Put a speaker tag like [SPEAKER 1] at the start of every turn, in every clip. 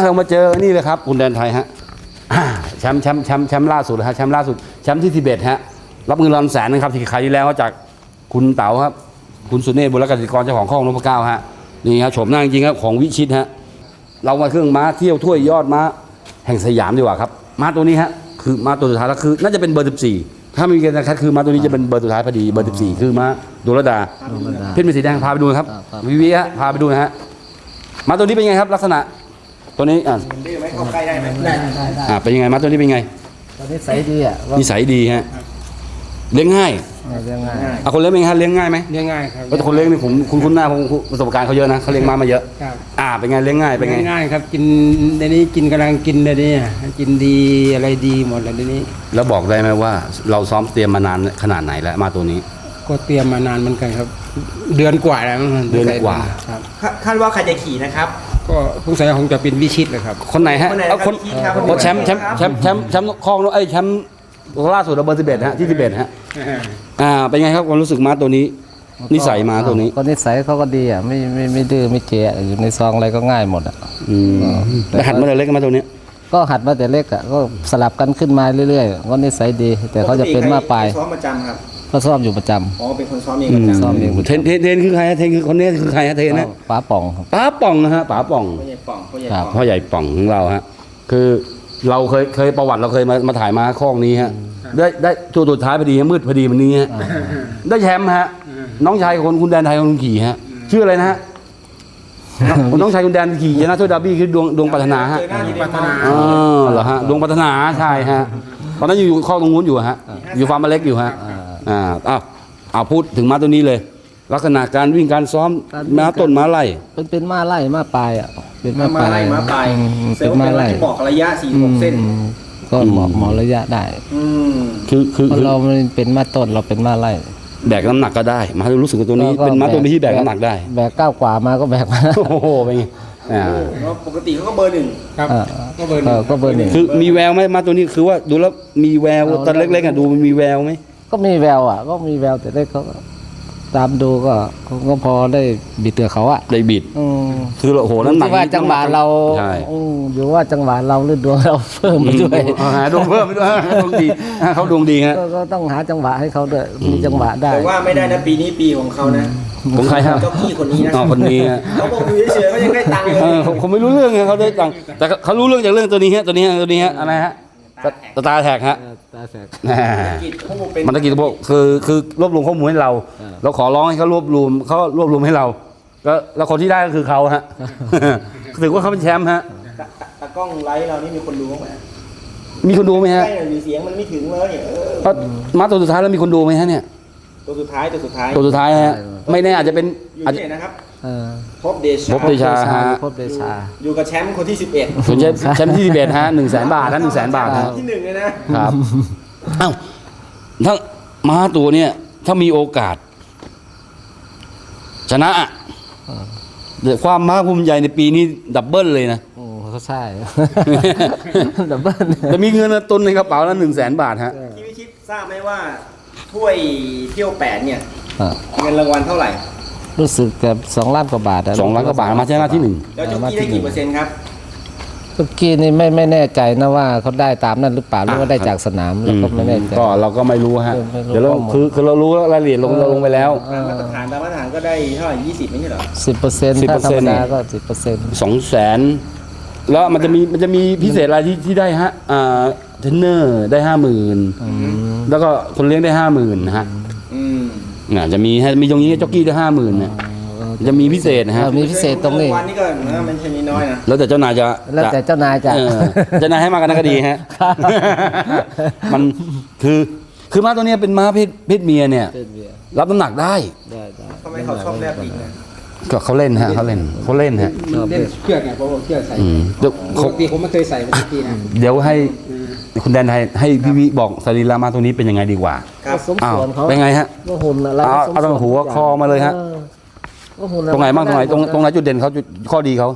[SPEAKER 1] เรามาเจอนี่เลยครับคุณแดนไทยฮะแชมป์ล่าสุดฮะแชมป์ล่าสุดแชมป์ที่11ฮะรับเงินรางวัล100,000นะครับที่ขายที่แล้วจากคุณเต๋าครับคุณสุเนศบุรกสิกรเจ้าของข้องนพเก้าฮะนี่ครับโฉมหน้าจริงครับของวิชิตฮะเรามาเครื่องม้าเที่ยวถ้วยยอดม้าแห่งสยามดีกว่าครับม้าตัวนี้ฮะคือม้าตัวสุดท้ายแล้วคือน่าจะเป็นเบอร์14ถ้ามีการคัดคือม้าตัวนี้จะเป็นเบอร์สุดท้ายพอดีเบอร์14คือม้าดุลดาเพชรเป็นสีแดงพาไปดูครับวิฮะพาไปดูนะฮะม้าตัวนี้เป็นไงครับลักษณะตัวนี้
[SPEAKER 2] ดื้อไหมเข้าใกล้ได้ไหมได้
[SPEAKER 1] เป็นยังไงม้าตัวนี้เป็นไง
[SPEAKER 3] ตอนนี้ใสดีอ่ะ
[SPEAKER 1] นิสัยดีฮะเลี้ยงง่าย
[SPEAKER 3] เลี้ยงง่าย
[SPEAKER 1] คนเลี้ยงเป็นไงฮะเลี้ยงง่ายไหม
[SPEAKER 2] เลี้ยงง่ายครับ
[SPEAKER 1] แต่คนเลี้ยงนี่ผมคุ้นหน้าผมประสบการณ์เขาเยอะนะเขาเลี้ยงม้ามาเยอะ
[SPEAKER 2] ครับ
[SPEAKER 1] เป็นไงเลี้ยงง่ายเป็นไง
[SPEAKER 2] ง่ายครับกินในนี้กินกำลังกินในนี้กินดีอะไรดีหมดเลยในนี้
[SPEAKER 1] แล้วบอกได้ไหมว่าเราซ้อมเตรียมมานานขนาดไหนแล้วมาตัวนี้
[SPEAKER 2] ก็เตรียมมานานเหมือนกันครับเดือนกว่าแล้ว
[SPEAKER 1] เดือนกว่า
[SPEAKER 2] ครับ
[SPEAKER 4] คาดว่าใครจะขี่นะครับ
[SPEAKER 2] ก็สงสัยคงจะเป็นวิชิตเลยครับ
[SPEAKER 1] คนไหนฮะคนแชมป์คลองแชมป์ล่าสุดเบอร์11ฮะที่11ฮะเป็นไงครับความรู้สึกม้าตัวนี้นิสัยม้าตัวนี้
[SPEAKER 3] ก็นิสัยเขาก็ดีอ่ะไม่ดื้อไม่เจ๊อยู่ในซองอะไรก็ง่ายหมดอ่ะ
[SPEAKER 1] แต่หัดมาแต่เล็กมาตัวนี้
[SPEAKER 3] ก็หัดมาแต่เล็กอ่ะก็สลับกันขึ้นมาเรื่อยๆก็นิสัยดีแต่เขาจะเป็นม้าปลาย
[SPEAKER 4] ซ้อมประจำครับ
[SPEAKER 3] ก็ซ้อมอยู่ประจ
[SPEAKER 4] ำเป็นคนซ้อมเองประจำ
[SPEAKER 3] ซ้อมเอง
[SPEAKER 1] เทนคือใครเทนคือคนนี้คือใครฮะเทนนะ
[SPEAKER 3] ป๋าป่อง
[SPEAKER 1] ป๋าป่องนะฮะป๋าป่องพ่อใหญ่ป่องของเราฮะคือเราเคยประวัติเราเคยมาถ่ายมาข้องนี้ฮะได้ตัวสุดท้ายพอดีมืดพอดีวันนี้ฮะได้แชมป์ฮะน้องชายคนคุณแดนไทยคนขี่ฮะชื่ออะไรนะฮะน้องชายคุณแดนขี่ชนะถ้วยดาร์บี้คือดวงปรารถนาฮะเหรอฮะดวงปรารถนาใช่ฮะตอนนั้นอยู่ข้อตรงนู้นอยู่ฮะอยู่ฟาร์มเล็กอยู่ฮะพูดถึงม้าตัวนี้เลยลักษณะการวิ่งการซ้อมม้าต้นม้าไล่
[SPEAKER 3] เป็นม้าไล่ม้าปลายอ่ะ
[SPEAKER 4] เป็นม้าปลายเป็นม้าไล่บอกระยะ46 เส้น
[SPEAKER 3] ก็เหมาะระยะได้คือเราเป็นม้าต้นเราเป็นม้าไล่
[SPEAKER 1] แบกน้ำหนักก็ได้มารู้สึกว่าตัวนี้เป็นม้าตัวที่แบกน้ำหนักได้
[SPEAKER 3] แบก9 กว่ามาก็แบกมา
[SPEAKER 1] โอ้โหเป็นไง
[SPEAKER 4] ปกติเขาก็เบอร์1
[SPEAKER 2] ครับก็เบอร์1
[SPEAKER 1] คือมีแววไหมม้าตัวนี้คือว่าดูแล้วมีแววตอนเล็กๆดูมีแววไหม
[SPEAKER 3] ก็มีแววก็มีแววแต่เล็กเขาตามดูก็พอได้บิดเตือเขา
[SPEAKER 1] ได้บิดคือโอ้โหน้ำหนัก
[SPEAKER 3] ว่าจังหวะเราอยู่ว่าจังหวะเราหรือดวงเราเพิ่มไปด้วย
[SPEAKER 1] ดวงเพิ่มไปด้วยดวงดีเขาดวงดีฮะ
[SPEAKER 3] ก็ต้องหาจังหวะให้เขาด้วยมีจังหวะได้
[SPEAKER 4] แต่ว่าไม่ได้นะปีนี้ปีของเขานะ
[SPEAKER 1] ของใครฮะ
[SPEAKER 4] เจ้าพี่คนนี้นะ
[SPEAKER 1] คนนี้
[SPEAKER 4] เขาบอกอยู่เฉยๆเขายังได้ตังค์
[SPEAKER 1] เขาไม่รู้เรื่องไงเขาได้ตังค์แต่เขารู้เรื่องจากเรื่องตัวนี้ฮะอะไรฮะตาแท็กฮะมันตะกี้พวกคือรวบรวมข้อมูลให้เราขอร้องให้เขารวบรวมให้เราแล้วคนที่ได้ก็คือเขาฮะถือว่าเขาเป็นแชมป์ฮะ
[SPEAKER 4] ตากล้องไลฟ์เรานี่มีคนดูไหม
[SPEAKER 1] มีคนดูไหมฮะ
[SPEAKER 4] เสียงมันไม่ถึงเลย
[SPEAKER 1] มาตัวสุดท้ายแล้วมีคนดูไหมฮะเนี่ย
[SPEAKER 4] ตัวสุดท้าย
[SPEAKER 1] ฮะไม่แน่อาจจะเป็น
[SPEAKER 4] อยู่ที่ไหนนะครับพบเดชาอยู่กับแชมป์คนที่11
[SPEAKER 1] แชมป์ที่11ฮะ100,000 บาทนะ100,000 บาท
[SPEAKER 4] ที่1เลยนะครับ
[SPEAKER 1] ถ้าม้าตัวเนี่ยถ้ามีโอกาสชนะความม้าภูมิใจในปีนี้ดับเบิลเลยนะ
[SPEAKER 3] เขาใช่ดับเบิล
[SPEAKER 1] จะมีเงินตุนในกระเป๋าละ100,000 บาทฮะ
[SPEAKER 4] พี่วิชิตทราบไหมว่าถ้วยเที่ยว8เนี่ยเงินรางวัลเท่าไหร่
[SPEAKER 3] รู้สึกกับ2 ล้านกว่าบาท
[SPEAKER 1] 2 ล้านกว่าบาทมาชนะที่1
[SPEAKER 4] แล้วจุกี้ได้กี่%ครับ
[SPEAKER 3] จุกี้นี่ไม่แน่ใจนะว่าเขาได้ตามนั้นหรือเปล่าหรือว่าได้จากสนามเราก็ไม่แน่ใจ
[SPEAKER 1] ก็เราก็ไม่รู้ฮะเดี๋ยวเราคือเรารู้รายละเอียดลงไปแล้ว
[SPEAKER 4] มาตรฐานก็ได้เท่าไหร่20ไม่ใช่เหรอ
[SPEAKER 3] 10%ถ้าธรรมดาก็10%
[SPEAKER 1] 200,000แล้วมันจะมีพิเศษอะไรที่ได้ฮะเทรนเนอร์ได้ 50,000แล้วก็คนเลี้ยงได้ 50,000นะฮะจะมีตรงนี้จ็อกกี้ได้ 50,000เนี่ยจะมีพิเศษนะฮะ
[SPEAKER 3] มีพิเศษตรงนี้
[SPEAKER 4] วันนี้ก็มันใช่น้อยนะ
[SPEAKER 1] แล้วแต่เจ้านายจะ
[SPEAKER 3] เจ้านาย
[SPEAKER 1] ให้มากันก็ดีฮะมันคือม้าตัวนี้เป็นม้าเพศเมียเนี่ยรับน้ำหนักได้
[SPEAKER 4] ทำไมเขาชอบแลบอีกนะ
[SPEAKER 1] ก็เขาเล่นฮะเขาเล่นฮะ
[SPEAKER 2] เล่นเชือกไงเพราะว่าเชือกใส่ปกติผมไม่เคยใส่เมื่อกี้นะ
[SPEAKER 1] เดี๋ยวให้คุณแดนให้พี่วิบอกสรีระม้าตัวนี้เป็นยังไงดีกว่า
[SPEAKER 3] สมส่วนเขา
[SPEAKER 1] เป็นไงฮะ
[SPEAKER 3] ก็หุ่นอะไร
[SPEAKER 1] เอาตรงหัวคอมาเลยฮะตรงไหนบ้างตรงไหนจุดเด่นเขาข้อดีเขา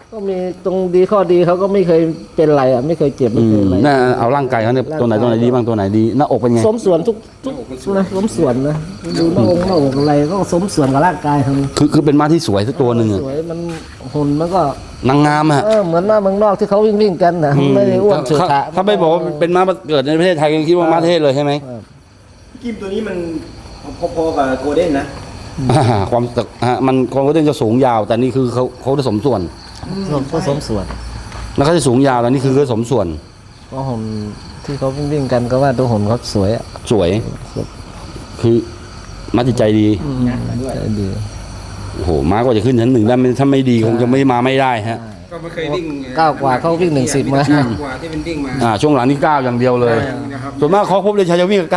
[SPEAKER 3] ก็มีตรงดีข้อดีเขาก็ไม่เคยเป็นไรอ่ะไม่เคยเจ็บไม่เคยอะไร
[SPEAKER 1] น่าเอาร่างกายเขาเนี่ยตัวไหนดีบ้างตัวไหนดีหน้าอกเป็นไง
[SPEAKER 3] สมส่วนทุกนะสมส่วนนะดูหน้าอกอะไรก็สมส่วนกับร่างกายทั้ง
[SPEAKER 1] คือเป็นม้าที่สวยสักตัวหนึ่งอะ
[SPEAKER 3] สวยมันหุ่นมันก็
[SPEAKER 1] นางงามฮะ
[SPEAKER 3] เหมือนม้าเมืองนอกที่เขาวิ่งกันนะไม่ได้อ้วนเฉื่อยฉะ
[SPEAKER 1] ถ้าไม่บอกว่าเป็นม้าเกิดในประเทศไทยยังคิดว่าม้าเทศเลยใช่ไหม
[SPEAKER 4] กิมตัวนี้มันพอๆกับโกลเด้นนะ
[SPEAKER 1] ความตึกมันความก็จะสูงยาว แต่นี่คือเขาจะสมส่วน
[SPEAKER 3] ก็สมส่วน
[SPEAKER 1] แล้วเขาจะสูงยาวแต่นี่คือเขาสมส่วน
[SPEAKER 3] ก็หุ่นที่เขาวิ่งกันก็ว่าตัวหุ่นเขาสวยอ่ะ
[SPEAKER 1] สวย คือม้าจิตใจดี
[SPEAKER 3] ใจดี
[SPEAKER 1] โอ้โหม้ากว่าจะขึ้นชั้นหนึ่งได้ถ้าไม่ดีคงจะไม่มาไม่ได้ฮะ
[SPEAKER 2] ก็ไม่เคยวิ่ง
[SPEAKER 3] ก้าวกว่าเขาวิ่ง110มา
[SPEAKER 2] กว่าที่เป็นวิ่งมา
[SPEAKER 1] ช่วงหลังนี่ก้าวอย่างเดียวเลย
[SPEAKER 2] นะครับ
[SPEAKER 1] ส่วนมากเขาพบเลยชายจะวิ่งกับ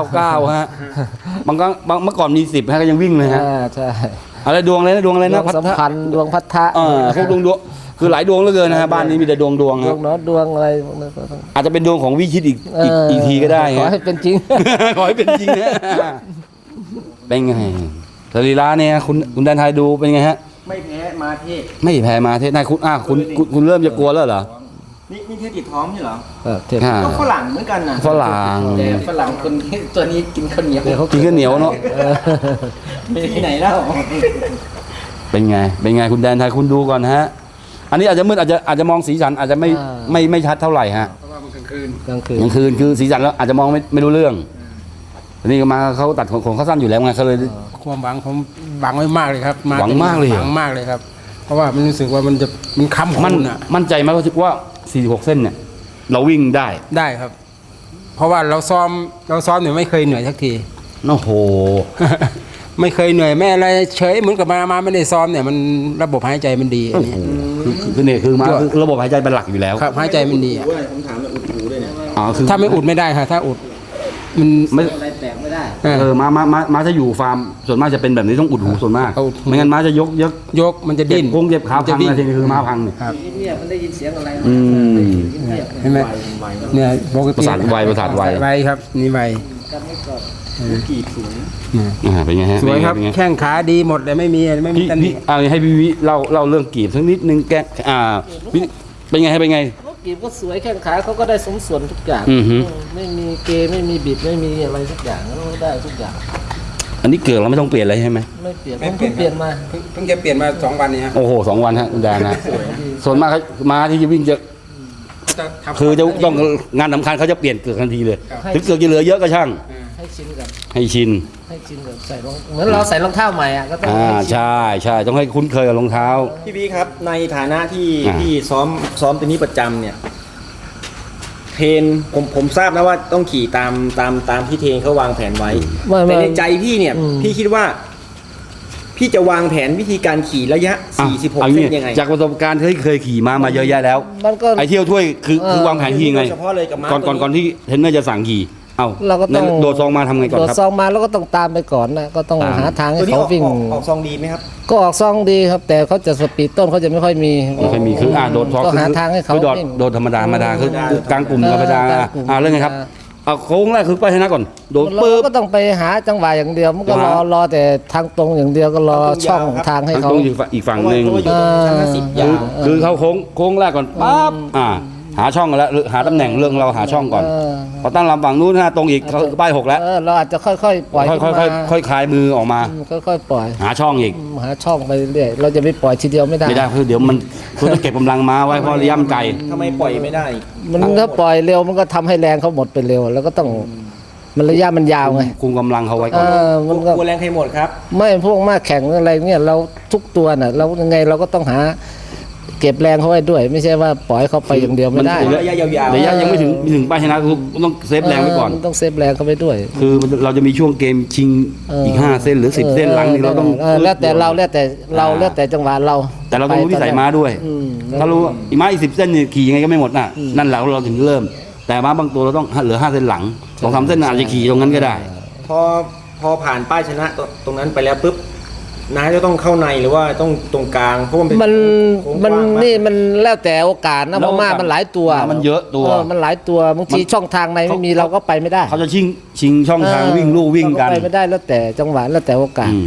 [SPEAKER 1] 9 ฮะบางครั้งเมื่อก่อนมี10ฮะก็ยังวิ่งเลยฮะ
[SPEAKER 3] ใช่
[SPEAKER 1] อะไรดวงอะไรนะดวงอะไร
[SPEAKER 3] ด
[SPEAKER 1] นะ
[SPEAKER 3] วงสัมพันธ์ดวงพัทธะ
[SPEAKER 1] พวกดวงคือหลายดวงเหลือเกินนะฮะบ้านนี้มีแต่ดวง
[SPEAKER 3] ดว
[SPEAKER 1] ฮะ
[SPEAKER 3] งเนาะดวงอะไรพวกนั้นก็ต้อง
[SPEAKER 1] อาจจะเป็นดวงของวิชิตอีกทีก็ได้
[SPEAKER 3] ขอ
[SPEAKER 1] ฮะ
[SPEAKER 3] ให้เป็นจริง
[SPEAKER 1] ขอให้เป็นจริงนะเป็นไงสรีระเนี่ยคุณแดนไทยดูเป็นไงฮะ
[SPEAKER 4] ไม่แพ้มาเทศ
[SPEAKER 1] ไม่แพ้มาเทศนายคุณเริ่มจะกลัวแล้วเหรอ
[SPEAKER 4] นี่เทศติดท้องใช่เหรอ
[SPEAKER 3] เทียบ
[SPEAKER 4] ก็ฝรั่งเหมือนกันนะ
[SPEAKER 1] ฝรั่ง
[SPEAKER 4] แต่ฝรั่งคนตัวนี้กินข้าวเหนียว
[SPEAKER 1] กินข้าวเหนียวเนาะ
[SPEAKER 4] ที่ไหนแล้ว
[SPEAKER 1] เป็นไงคุณแดนไทยคุณดูก่อนฮะ อันนี้อาจจะมืดอาจจะมองสีสันอาจจะไม่ชัดเท่าไหร่ฮะ
[SPEAKER 2] เพราะว่ามันกลางคืน
[SPEAKER 3] กลางคืน
[SPEAKER 1] กลางคืนคือสีสันแล้วอาจจะมองไม่รู้เรื่องทีนี้ก็มาเขาตัดของเขาสั้นอยู่แล้วไงเขาเลย
[SPEAKER 2] ความหวังผมหวังไว้มากเลยครับ
[SPEAKER 1] หวังมากเลยเหรอ
[SPEAKER 2] หวังมากเลยครับ เพราะว่ามันรู้สึกว่ามันค้ำของ
[SPEAKER 1] มัน
[SPEAKER 2] คุณอ่ะ
[SPEAKER 1] มั่นใจไหมว่า46เส้นเนี่ย เราวิ่งได้
[SPEAKER 2] ได้ครับ เพราะว่าเราซ้อมเนี่ยไม่เคยเหนื่อยสักที
[SPEAKER 1] โอ้โห
[SPEAKER 2] ไม่เคยเหนื่อยแม่อะไรเฉยเหมือนกับมาไม่ได้ซ้อมเนี่ยมันระบบหายใจมันดีอันนี้
[SPEAKER 1] คือเนี่ยคือมาคือระบบหายใจเป็นหลักอยู่แล้ว
[SPEAKER 2] ครับหายใจมันดีอะ
[SPEAKER 4] ด้วยผมถามเลยอุดหูด้วยเนี่ย
[SPEAKER 1] คือ
[SPEAKER 2] ถ้าไม่อุดไม่ได้ค่ะถ้าอุดมัน
[SPEAKER 1] ไม่
[SPEAKER 3] อะไรแตกไม่ได้
[SPEAKER 1] ม้าจะอยู่ฟาร์มส่วนมากจะเป็นแบบนี้ต้องอุดหูส่วนมาก
[SPEAKER 2] เอาอุดหู
[SPEAKER 1] ไม่งั้นม้าจะยก
[SPEAKER 2] มันจะดิ้น
[SPEAKER 1] เจ็บขา
[SPEAKER 2] จะ
[SPEAKER 1] พัง
[SPEAKER 2] วิ่ง
[SPEAKER 1] อะไรทีนี้คือม้าพังเนี่ย
[SPEAKER 2] ครับ
[SPEAKER 3] เงียบมันได้ยินเสียงอะไร
[SPEAKER 1] อืม
[SPEAKER 2] เห็นไหมเนี่ยปกติ
[SPEAKER 1] ประสาทไว
[SPEAKER 2] ครับนี่ไว
[SPEAKER 3] กันไม่ก่อน
[SPEAKER 4] กีบสูง
[SPEAKER 1] เป็นไงฮะ
[SPEAKER 2] สวยครับ
[SPEAKER 1] เป็นไง
[SPEAKER 2] แข้งขาดีหมดเลยไม่มีตำหนิ
[SPEAKER 1] พี่ให้พี่วิเล่าเรื่องกีบสักนิดนึงพี่เป็นไงเป็นไง
[SPEAKER 3] เขากีบก็สวยแข้งขาเขาก็ได้สมส่วนทุกอย่าง
[SPEAKER 1] อือฮึ
[SPEAKER 3] ไม่มีเกย์ไม่มีบิดไม่มีอะไรทุกอย่างเขาได้ทุกอย่าง
[SPEAKER 1] อันนี้เกิดเราไม่ต้องเปลี่ยนอะไรใช่ไหม
[SPEAKER 3] ไม่เปลี่ยนผมเพิ่งเปลี่ยนมา
[SPEAKER 2] เพิ่งจะเปลี่ยนมา2 วันนี้ฮะ
[SPEAKER 1] โอ้โห2 วันฮะคุณแดนนะส่วนมากม้าที่จะวิ่งจะ
[SPEAKER 2] จะทำ
[SPEAKER 1] คือจะต้องงานสำคัญเขาจะเปลี่ยนเกือกทันทีเลย
[SPEAKER 3] ครับ
[SPEAKER 1] ถึงเกือกจะเหลือเยอะก็ช่าง
[SPEAKER 3] ให้ชินกับ
[SPEAKER 1] ให้ชิน
[SPEAKER 3] ใส่รองเหมือนเราใส่รองเท้าใหม่อ่ะก็ต้องให้ชิน
[SPEAKER 1] ใช่ต้องให้คุ้นเคยกับรองเท้า
[SPEAKER 4] พี่บีครับในฐานะที่
[SPEAKER 1] อ่า
[SPEAKER 4] พี่ซ้อมตัวนี้ประจำเนี่ยเทรนผมทราบนะว่าต้องขี่ตามที่เทรนเขาวางแผนไว้ แต่ในใจพี่เนี่ย พี่คิดว่า พี่จะวางแผนวิธีการขี่ระยะ 46 เส้นยังไง
[SPEAKER 1] จากประสบการณ์ที่เคยขี่มาเยอะแยะแล้ว
[SPEAKER 3] มันก็
[SPEAKER 1] ไอเที่ยวถ้วยคือวางแผนขี่ไง
[SPEAKER 4] โดยเฉพาะเลยกับม้า
[SPEAKER 1] ก่อนที่เทรนเนอร์จะสั่งขี่เอ้า
[SPEAKER 3] เราก็ต้อง
[SPEAKER 1] โดดซองมาทำไงก่อน
[SPEAKER 3] โดด
[SPEAKER 1] ครับ
[SPEAKER 3] ซองมาแล้วก็ต้องตามไปก่อนนะก็ต้อง
[SPEAKER 1] ตาม
[SPEAKER 3] หาทางให้
[SPEAKER 4] ตัวนี้
[SPEAKER 3] เขาวิ่ง
[SPEAKER 4] ออกซองดีไหมครับ
[SPEAKER 3] ก็ออกซองดีครับ แต่เขาจะสปีดต้นเขาจะไม่ค่อยมี
[SPEAKER 1] ไม่ค่อยมีคือโดดซอง
[SPEAKER 3] ก็หาทางให้เขา
[SPEAKER 1] คือโดด
[SPEAKER 3] วิ่ง
[SPEAKER 1] โดดธรรมดาคือกลางกลุ่มธรรมดาก
[SPEAKER 3] ลางกลุ่ม
[SPEAKER 1] เรื่องไงครับโค้งแรกคือไปชนะก่อนโดด
[SPEAKER 3] เรา
[SPEAKER 1] ปึ๊บ
[SPEAKER 3] ก็ต้องไปหาจังหวะอย่างเดียวมันก็
[SPEAKER 1] จังหวะ
[SPEAKER 3] รอแต่ทางตรงอย่างเดียวก็รอช่องทางให้
[SPEAKER 1] ทาง
[SPEAKER 3] เขา
[SPEAKER 1] ตรงอีกฝั่งหนึ่ง
[SPEAKER 4] เพราะว่าอยู่ตรงชั้น50 ยาว
[SPEAKER 1] คือเขาโค้งแรกก่อนปั๊บหาช่องกันแล้วหาตำแหน่งเรื่องเราหาช่องก่อนพอตั้งลำฝั่งนู้นตรงอีกเขาป้าย6แล้ว
[SPEAKER 3] เราอาจจะค่อยๆปล่อยขึ้นมา
[SPEAKER 1] ค่อยคลายมือออกมา
[SPEAKER 3] ค่อยๆปล่อย
[SPEAKER 1] หาช่องอีก
[SPEAKER 3] หาช่องไปเรื่อยเราจะไปปล่อยทีเดียวไม่ได้
[SPEAKER 1] ไม่ได้คือเดี๋ยวมันคุณต้องเก็บกำลังม้าไว้เพราะระยะมันไกล
[SPEAKER 4] ทำไมปล่อยไม่ได้
[SPEAKER 3] มันถ้าปล่อยเร็วมันก็ทำให้แรงเขาหมดไปเร็ว แล้วก็ต้องมันระยะมันยาวไง
[SPEAKER 1] คุมกำลังเขาไว้ก่อน
[SPEAKER 3] มันก็
[SPEAKER 4] กลัวแรงใครหมดครับ
[SPEAKER 3] ไม่พวกมากแข่งอะไรเนี่ยเราทุกตัวน่ะเรายังไงเราก็ต้องหาเก็บแรงเขาไว้ด้วย ไม่ใช่ว่าปล่อยเขาไปอย่างเดียวไม่ได้
[SPEAKER 4] ระยะยาวๆ
[SPEAKER 1] ระยะยังไม่ถึงป้ายชนะคือต้องเซฟแรงไว้ก่อน
[SPEAKER 3] ต้องเซฟแรงเขาไว้ด้วย
[SPEAKER 1] คือเราจะมีช่วงเกมชิงอีก5เส้นหรือ10เส้นหลังนี่เราต้อง
[SPEAKER 3] แล้วแต่จังหวะเรา
[SPEAKER 1] แต่เราต้องรู้วิสัยม้าด้วย ถ้ารู้อีกม้าอีก10เส้นนี่ขี่ยังไงก็ไม่หมดน่ะนั่นแหละเราถึงเริ่ม แต่ม้าบางตัวเราต้องเหลือ5เส้นหลัง2-3เส้นอาจจะขี่ตรงนั้นก็ได้
[SPEAKER 4] พอผ่านป้ายชนะตรงนั้นไปแล้วปุ๊บนายจะต้องเข้าในหรือว่าต้องตรงกลางเพราะมันเป็น
[SPEAKER 3] มัน
[SPEAKER 4] โค้ง
[SPEAKER 3] มัน
[SPEAKER 4] กว้างาก
[SPEAKER 3] นี่มันแล้วแต่โอกาสนะเพราะม้ามันหลายตัว
[SPEAKER 1] ม้ามันเยอะตัว
[SPEAKER 3] มันหลายตัวบางทีช่องทางในไม่มีเราก็ไปไม่ได้
[SPEAKER 1] เขาจะชิงช่องทางวิ่งลู่วิ่งกัน
[SPEAKER 3] เราไปไม่ได้แล้วแต่จังหวะแล้วแต่โอกาส
[SPEAKER 1] อืม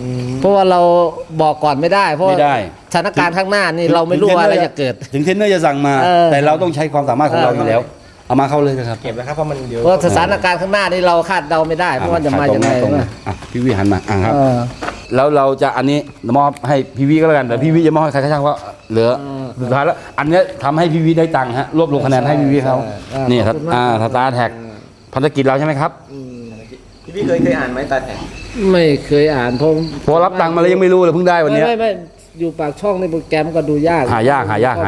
[SPEAKER 3] เพราะว่าเราบอกก่อนไม่ได้เพราะว่า
[SPEAKER 1] ไม่ได้
[SPEAKER 3] สถานการณ์ข้างหน้านี่เราไม่รู้ว่าอะไรจะเกิด
[SPEAKER 1] ถึงเทรนเนอร์จะสั่งมา แต่เราต้องใช้ความสามารถของเราอยู่แล้ว เอามาเข้าเลยนะครับ
[SPEAKER 4] เก็บแล้วครับเพราะมันเดี๋ยว
[SPEAKER 3] เพราะสถานการณ์ข้างหน้านี่เราคาดเดาไม่ได้เพราะว่าจะมายังไง
[SPEAKER 1] ตรง
[SPEAKER 3] วะ
[SPEAKER 1] อ่ะพี่วิหันมาครับ
[SPEAKER 3] เออ
[SPEAKER 1] แล้วเราจะอันนี้มอบให้พี่วิก็แล้วกันแต่พี่วิจะมอบให้ใครก็ช่างว่าเหลือสุดท้ายแล้วอันเนี้ยทำให้พี่วิได้ตังค์ฮะรวบรวมคะแนนให้พี่วิเขา
[SPEAKER 3] ใช่
[SPEAKER 1] นี่
[SPEAKER 3] ขอบคุณมาก
[SPEAKER 1] สตาร์แท็กภารกิจเราใช่ไหมครับ
[SPEAKER 4] พี่เคยอ่านไหมตาแข็ง
[SPEAKER 3] ไม่เคยอ่านเพราะ
[SPEAKER 1] พอรับตังค์มาแล้วยังไม่รู้เลยเพิ่งได้วันเนี้ย
[SPEAKER 3] ไม่อยู่ปากช่องในโปรแกรมก็ดูยาก
[SPEAKER 1] หายาก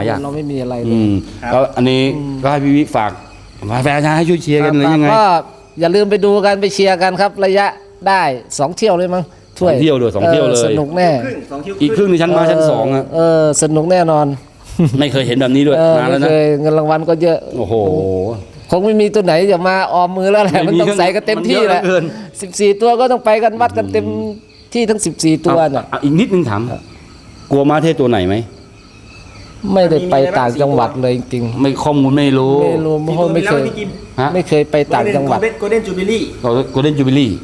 [SPEAKER 3] เราไม่มีอะไรเล
[SPEAKER 1] อื
[SPEAKER 3] ย
[SPEAKER 1] มแล้วอันนี้ก็ให้พี่วิฝากแฟนชายให้ช่วยเชียร์กันหรือยังไง
[SPEAKER 3] ก็อย่าลืมไปดูกันไปเชียร์กันครับ ระยะได้2 เที่ยวเลยมั้งถ้วย
[SPEAKER 1] 2 เที่ยวเลย2 เที่ยวเลย
[SPEAKER 3] สนุกแน่
[SPEAKER 4] ครึ่ง2 คิว
[SPEAKER 1] อีกครึ่งในชั้นมาชั้นสองอะ
[SPEAKER 3] สนุกแน่นอน
[SPEAKER 1] ไม่เคยเห็นแบบนี้ด้วยนานแล้ว
[SPEAKER 3] ไม่
[SPEAKER 1] นะ
[SPEAKER 3] เคยเงินรางวัลก็เยอะ
[SPEAKER 1] โอ้โห
[SPEAKER 3] คงไม่มีตัวไหนจะมาออมมือแล้วแหละ
[SPEAKER 1] ไม่
[SPEAKER 3] มัน
[SPEAKER 1] มี
[SPEAKER 3] ต้องใส่กันเต็มที่แหละ
[SPEAKER 1] มันเยอะเหลือเกิน
[SPEAKER 3] 14 ตัวก็ต้องไปกันวัดกันเต็มที่ทั้ง14 ตัวน่ะ
[SPEAKER 1] อีกนิดนึงถามกลัวม้าเทศตัวไหนไหม
[SPEAKER 3] ไม่ได้ไปต่างจังหวัดเลยจริง
[SPEAKER 1] ไม่ข้อมูลไม่รู้
[SPEAKER 3] ๆไม่รู้เพราะไม่เคย
[SPEAKER 1] ฮะ
[SPEAKER 3] ไม่เคยไปต่างจังหวัด
[SPEAKER 4] โกลเด้นจูบิลี่
[SPEAKER 1] โกลเด้นจูบิลี่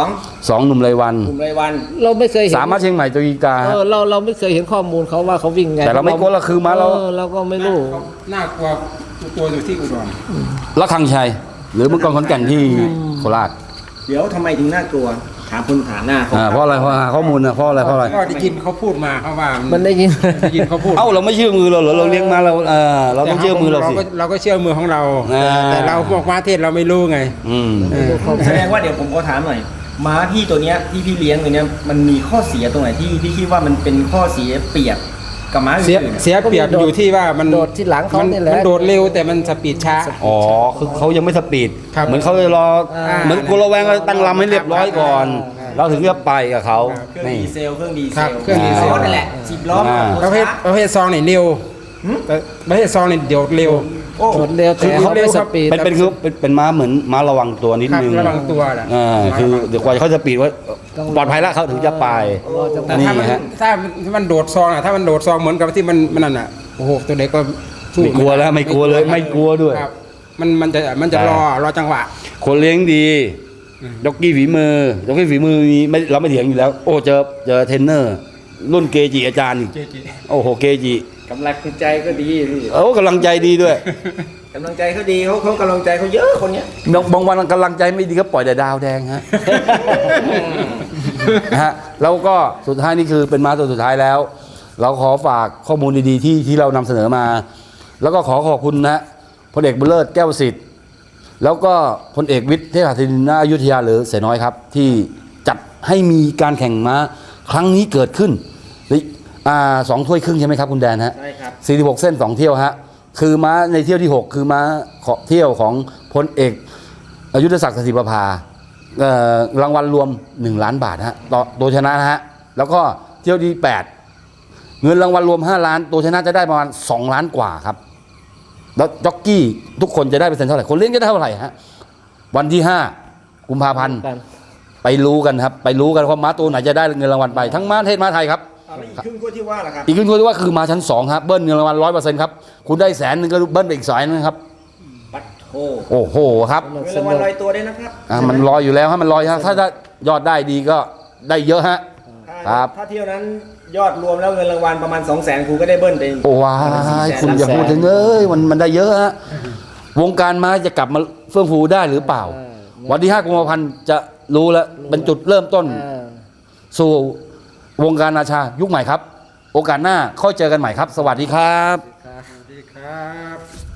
[SPEAKER 4] 2
[SPEAKER 1] 2 หนุ่มรายวัน
[SPEAKER 4] กลุ่มรายวัน
[SPEAKER 3] เราไม่เคยเห็น
[SPEAKER 1] 3 ม้าเชียงใหม่ตัวอีกาฮะ
[SPEAKER 3] เราไม่เคยเห็นข้อมูลเขาว่าเขาวิ่งไง
[SPEAKER 1] แต่เราไม่กลัวเราคือม้าเรา
[SPEAKER 3] เราก็ไม่รู้
[SPEAKER 2] น่ากลัวตัวอยู่ที่อุดร
[SPEAKER 1] ละคังชัย หรือเมื่อก่อนขอนแก่นที่โคราช
[SPEAKER 4] เดี๋ยวทำไมถึงน่ากลัว ถามคุณฐานหน้าเขา
[SPEAKER 1] เพราะอะไรเพราะหาข้อมูลนะเพราะอะไร
[SPEAKER 2] ก็ได้ยินเขาพูดมาเขาว่า
[SPEAKER 3] มันได้ยิน
[SPEAKER 2] ได้ยินเขาพูด
[SPEAKER 1] เอ้าเราไม่เชื่อมือเราเหรอเราเลี้ยงมาเราเราต้องเชื่อมือเราสิ
[SPEAKER 2] เราก็เชื่อมือของเรา แต่เราพวกม้าเทศเราไม่รู้ไง
[SPEAKER 1] อืม
[SPEAKER 4] แสดงว่าเดี๋ยวผมขอถามหน่อย ม้าพี่ตัวเนี้ยที่พี่เลี้ยงตัวเนี้ยมันมีข้อเสียตรงไหนที่พี่คิดว่ามันเป็นข้อเสียเปรียบกับม้า
[SPEAKER 2] เสีย
[SPEAKER 4] อื่นๆอะ
[SPEAKER 2] เสียเปรียบอยู่ที่ว่ามัน
[SPEAKER 3] โดดที่หลังเขานี่แหละ
[SPEAKER 2] มันโดดเร็วแต่มันสปีดช้า
[SPEAKER 1] อ๋อคือเขายังไม่สปีด
[SPEAKER 2] ครับ
[SPEAKER 1] เหมือนเขาจะรอเหมือนกลัวแวงตั้งลำให้เรียบร้อยก่อนเราถึงจะไปกับเขา
[SPEAKER 4] เครื่อง
[SPEAKER 1] นี่
[SPEAKER 4] ดีเซลเครื่องดีเซ
[SPEAKER 2] ครับ
[SPEAKER 4] ล
[SPEAKER 2] เครื่องดีเซล
[SPEAKER 4] นั่นแหละ10 ล้อ
[SPEAKER 2] ประเภทซองเนี่ยเร็วแต่ประเภทซองเนี่ยเดี๋ยวเร็ว
[SPEAKER 4] โอ้
[SPEAKER 3] โดดเร็วแต่เขาไม่สปีด
[SPEAKER 1] เป็นม้าเหมือนม้าระวังตัวนิด
[SPEAKER 2] ครับ
[SPEAKER 1] นึง
[SPEAKER 2] ระวังตัวแหละ
[SPEAKER 1] คือเดี๋ยวกว่าเขาจะปีดว่าปลอดภัยแล้วเขาถึงจะไป
[SPEAKER 2] แต่
[SPEAKER 1] นี่
[SPEAKER 2] ถ้ามัน
[SPEAKER 1] ฮะ
[SPEAKER 2] ถ้ามันโดดซองอ่ะถ้ามันโดดซองเหมือนกับที่มันนั่นอ่ะโอ้โหตัวเด็กก็สู้
[SPEAKER 1] ไม่กลัวแล้วไม่กลัวเลยไม่กลัวด้วย
[SPEAKER 2] ครับมันจะรอจังหวะ
[SPEAKER 1] คนเลี้ยงดีด็อกกี้ฝีมือมีไม่เราไม่เถียงอยู่แล้ว โอ้เจอเทรนเนอร์ รุ่นเกจิอาจารย์อีกโอ้โหเกจิ
[SPEAKER 4] กำลังใจก็ดีพี่
[SPEAKER 1] โอ้กำลังใจดีด้วย
[SPEAKER 4] กำลังใจเขาดีเขากำลังใจเขาเยอะคนเนี้ย
[SPEAKER 1] บางวันกำลังใจไม่ดีก็ปล่อยแต่ดาวแดงฮะ นะฮะแล้วก็สุดท้ายนี่คือเป็นม้าตัวสุดท้ายแล้ว เราขอฝากข้อมูลดีๆที่เรานำเสนอมา แล้วก็ขอขอบคุณนะพลเอกบุญเลิศแก้วสิทธิ์แล้วก็พลเอกวิทย์เทพหัสดินณอยุธยาหรือเสน้อยครับ ที่จัดให้มีการแข่งม้าครั้งนี้เกิดขึ้น2 ถ้วยครึ่งใช่ไหมครับคุณแดนฮะ
[SPEAKER 4] ใช่ครับ
[SPEAKER 1] 46 เส้น 2 เที่ยวฮะคือม้าในเที่ยวที่ 6 คือม้าเที่ยวของพลเอกยุทธศักดิ์สถิประภารางวัลรวม1 ล้านบาทฮะต่อตัวชนะนะฮะแล้วก็เที่ยวที่ 8 เงินรางวัลรวม5 ล้านตัวชนะจะได้ประมาณ2 ล้านกว่าครับแล้วจ็อกกี้ทุกคนจะได้เปอร์เซ็นต์เท่าไหร่คนเลี้ยงจะได้เท่าไหร่ฮะวันที่5 กุมภาพันธ์ไปรู้กันครับไปรู้กันว่าม้าตัวไหนจะได้เงินรางวัลไปทั้งม้าเทศม้าไทยครับ
[SPEAKER 4] แล้วอีกครึ่งก็ที่ว่าล่ะครับ
[SPEAKER 1] อีกครึ่งที่ว่าคือมาชั้น2ครับเบิ้ลเงินรางวัล100%ครับคุณได้100,000ก็เบิ้ลไปอีก100,000ครับ
[SPEAKER 4] ปัดโท
[SPEAKER 1] โอ้โหครับ
[SPEAKER 4] เงินรางวัลลอยตัวด้วยนะครับ
[SPEAKER 1] มันลอยอยู่แล้วฮะมันลอยฮะถ้ายอดได้ดีก็ได้เยอะฮะ ครับ
[SPEAKER 4] ถ้าเที่ยวนั้นยอดรวมแล้วเงินรางวัลประมาณ 200,000ครูก็ได้เบิ้ลไป
[SPEAKER 1] โอ้ว้ายคุณอย่าพูดถึงมันได้เยอะฮะวงการม้าจะกลับมาเฟื่องฟูได้หรือเปล่า วันที่5 กุมภาพันธ์จะรู้แล้วเป็นจุดเริ่มต้นสู่วงการนาชายุคใหม่ครับ โอกาสหน้าค่อยเจอกันใหม่ครับ สวัสดีครับ
[SPEAKER 2] สวัสดีครับ